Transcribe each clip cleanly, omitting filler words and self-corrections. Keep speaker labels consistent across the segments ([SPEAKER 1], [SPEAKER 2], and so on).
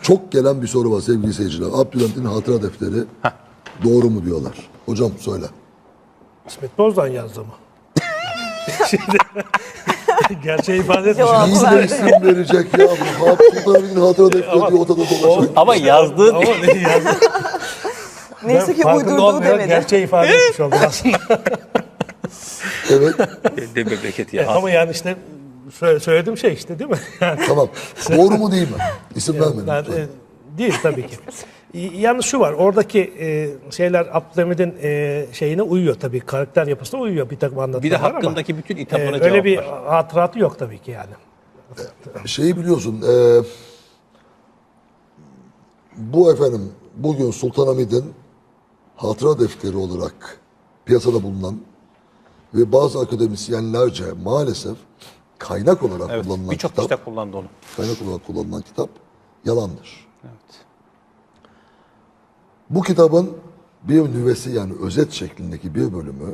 [SPEAKER 1] Çok gelen bir soru var sevgili seyirciler. Abdülhamit'in hatıra defteri doğru mu diyorlar? Hocam söyle.
[SPEAKER 2] İsmet Bozdan yazdı mı? Şimdi gerçeği ifade etmiş.
[SPEAKER 3] Cevap
[SPEAKER 1] İyi de
[SPEAKER 3] verdi.
[SPEAKER 1] isim verecek ya. Abdülhamit'in hatıra defteri diye ortada dolaşıyor.
[SPEAKER 4] Ama yazdığı
[SPEAKER 2] Ama ne yazdı?
[SPEAKER 3] Neyse ki
[SPEAKER 2] Farkında
[SPEAKER 3] uydurduğu
[SPEAKER 2] olmayan
[SPEAKER 3] demedi.
[SPEAKER 2] gerçeği ifade etmiş oldu aslında.
[SPEAKER 1] Evet.
[SPEAKER 4] de memleket ya.
[SPEAKER 2] Ama yani işte söylediğim şey işte değil mi? Yani,
[SPEAKER 1] Tamam. Doğru mu değil mi? İsim vermedim.
[SPEAKER 2] yani, değil tabii ki. Yalnız şu var, oradaki şeyler Abdülhamid'in şeyine uyuyor tabii, karakter yapısına uyuyor bir takım anlatılar
[SPEAKER 4] Bir de
[SPEAKER 2] ama,
[SPEAKER 4] hakkındaki bütün ithamlara cevap
[SPEAKER 2] öyle bir
[SPEAKER 4] var.
[SPEAKER 2] hatıratı yok tabii ki yani.
[SPEAKER 1] Şeyi biliyorsun. Bu efendim bugün Sultanahmet'in hatıra defteri olarak piyasada bulunan ve bazı akademisyenlerce maalesef kaynak olarak
[SPEAKER 4] Evet,
[SPEAKER 1] kullanılan
[SPEAKER 4] birçok
[SPEAKER 1] kitap,
[SPEAKER 4] kişi de kullandı onu.
[SPEAKER 1] kaynak olarak kullanılan kitap yalandır.
[SPEAKER 4] Evet.
[SPEAKER 1] Bu kitabın bir nüvesi yani özet şeklindeki bir bölümü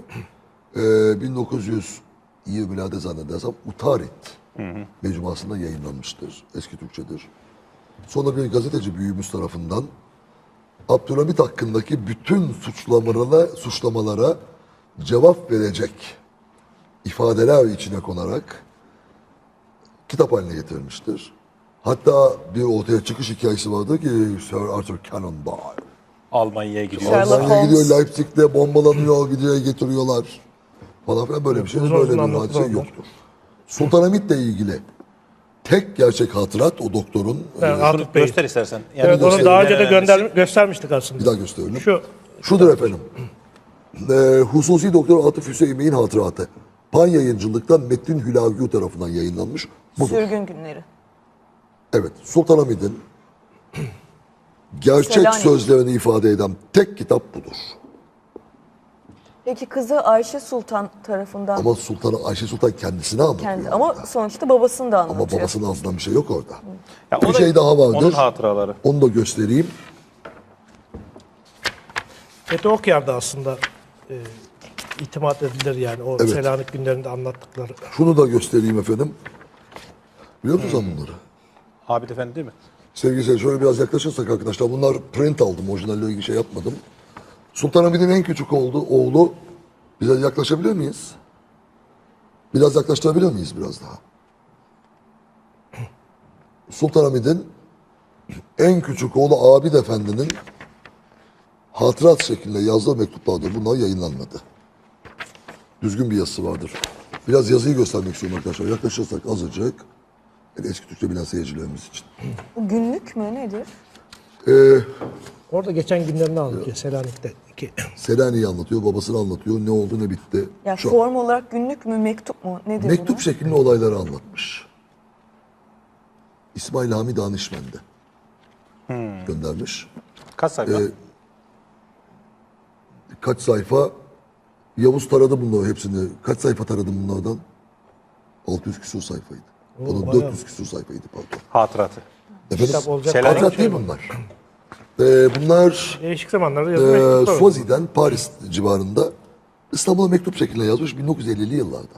[SPEAKER 1] 1920'lerde zannedersem Utarit mecmuasında yayınlanmıştır. Eski Türkçedir. Sonra bir gazeteci büyüğümüz tarafından Abdülhamit hakkındaki bütün suçlamalara cevap verecek ifadeler içine konarak kitap haline getirilmiştir. Hatta bir ortaya çıkış hikayesi vardır ki Sir Arthur Conan Doyle.
[SPEAKER 4] Almanya'ya gidiyor.
[SPEAKER 3] Sherlock
[SPEAKER 1] Almanya'ya
[SPEAKER 3] Holmes.
[SPEAKER 1] gidiyor, Leipzig'te bombalanıyor, gidiyor getiriyorlar. Falan filan böyle bir şey.
[SPEAKER 2] Uzun
[SPEAKER 1] Böyle
[SPEAKER 2] uzun
[SPEAKER 1] bir
[SPEAKER 2] anlatılır
[SPEAKER 1] hadise
[SPEAKER 2] onlar.
[SPEAKER 1] yoktur. Sultanahmet'le ilgili tek gerçek hatırat o doktorun
[SPEAKER 2] Yani
[SPEAKER 4] Şunu
[SPEAKER 2] Atıf Bey.
[SPEAKER 4] göster istersen. Yani
[SPEAKER 2] Evet, onu
[SPEAKER 1] gösterelim.
[SPEAKER 2] daha önce de
[SPEAKER 4] önemlisi-
[SPEAKER 2] göstermiştik aslında.
[SPEAKER 1] bir daha gösterelim.
[SPEAKER 2] Şu
[SPEAKER 1] Şudur efendim. Hususi Doktor Atıf Hüseyin Bey'in hatıratı. Pan yayıncılıktan Metin Hülagü tarafından yayınlanmış. Budur.
[SPEAKER 3] Sürgün günleri.
[SPEAKER 1] Evet, Sultanahmet'in gerçek
[SPEAKER 3] Selanik.
[SPEAKER 1] sözlerini ifade eden tek kitap budur.
[SPEAKER 3] Peki kızı Ayşe Sultan tarafından
[SPEAKER 1] Ama Ayşe Sultan kendisine anlatıyor.
[SPEAKER 3] kendi ama sonuçta babasını da
[SPEAKER 1] Ama
[SPEAKER 3] anlatıyor.
[SPEAKER 1] babasının ağzından bir şey yok orada.
[SPEAKER 4] Ya
[SPEAKER 1] Bir
[SPEAKER 4] o da-
[SPEAKER 1] şey daha vardır.
[SPEAKER 4] Onun hatıraları.
[SPEAKER 1] Onu da göstereyim.
[SPEAKER 2] Fethi Okyar'da aslında itimat edilir yani o
[SPEAKER 1] Evet.
[SPEAKER 2] Selanik günlerinde anlattıkları.
[SPEAKER 1] Şunu da göstereyim efendim. Biliyor musunuz bunları?
[SPEAKER 4] Abid Efendi değil mi?
[SPEAKER 1] Sevgili seyirciler, şöyle biraz yaklaşırsak arkadaşlar. Bunlar print aldım. Orijinalle ilgili şey yapmadım. Sultanahmet'in en küçük oğlu. Bize yaklaşabilir miyiz? Biraz yaklaştırabilir miyiz biraz daha? Sultanahmet'in en küçük oğlu Abid Efendi'nin hatırat şeklinde yazdığı mektuplardır. Bunlar yayınlanmadı. Düzgün bir yazısı vardır. Biraz yazıyı göstermek istiyorum arkadaşlar. Yaklaşırsak azıcık. Yani eski Türkçe bilen seyircilerimiz için.
[SPEAKER 3] Bu günlük mü nedir?
[SPEAKER 2] Orada geçen günlerini anlatıyor Selanik'teki.
[SPEAKER 1] Selanik'i anlatıyor, babasını anlatıyor. Ne oldu ne bitti.
[SPEAKER 3] Ya
[SPEAKER 1] Şu
[SPEAKER 3] form olarak günlük mü mektup mu nedir
[SPEAKER 1] mektup
[SPEAKER 3] bu?
[SPEAKER 1] şeklinde olayları anlatmış. İsmail Hami Danışmen'de göndermiş.
[SPEAKER 4] Kaç sayfa?
[SPEAKER 1] Kaç sayfa? Yavuz taradı bunları hepsini. Kaç sayfa taradım bunlardan? 600 küsur sayfaydı. Pardon,
[SPEAKER 2] bayağı.
[SPEAKER 1] 400 küsur sayfaydı pardon.
[SPEAKER 4] Hatıratı.
[SPEAKER 1] Efendim?
[SPEAKER 2] Kitap olacak.
[SPEAKER 4] Selanik
[SPEAKER 1] Hatırat değil bunlar. Bunlar
[SPEAKER 2] Değişik zamanlarda yazılmış.
[SPEAKER 1] Suazi'den Paris civarında İstanbul'a mektup şeklinde yazmış 1950'li yıllarda.